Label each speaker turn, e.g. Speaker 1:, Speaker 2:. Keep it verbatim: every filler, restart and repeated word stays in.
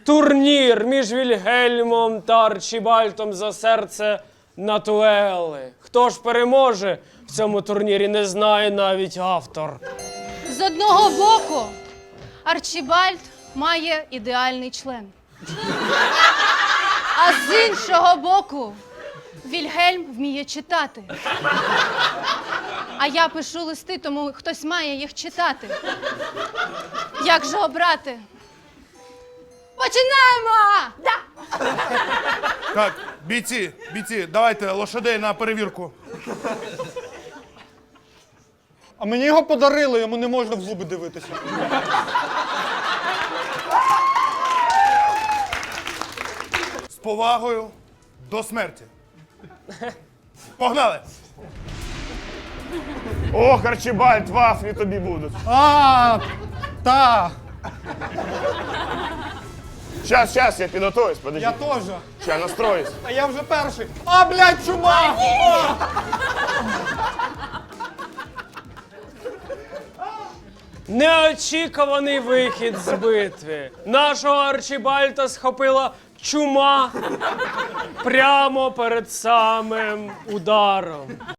Speaker 1: Турнір між Вільгельмом та Арчібальдом за серце Натуели. Хто ж переможе в цьому турнірі, не знає навіть автор.
Speaker 2: З одного боку, Арчібальд має ідеальний член. А з іншого боку, Вільгельм вміє читати. А я пишу листи, тому хтось має їх читати. Як же обрати? Починаємо! Да!
Speaker 3: Так, бійці, бійці, давайте лошадей на перевірку.
Speaker 4: А мені його подарили, йому не можна в зуби дивитися.
Speaker 3: З повагою до смерті. Погнали!
Speaker 5: Ох, Арчібальд, вафлі тобі будуть.
Speaker 4: А, та,
Speaker 5: Щас, щас, я підготуюсь, подожди.
Speaker 4: я теж.
Speaker 5: Ща настроюсь.
Speaker 4: А я вже перший. А, блядь, чума! А!
Speaker 1: Неочікуваний вихід з битви. Нашого Арчібальда схопила чума прямо перед самим ударом.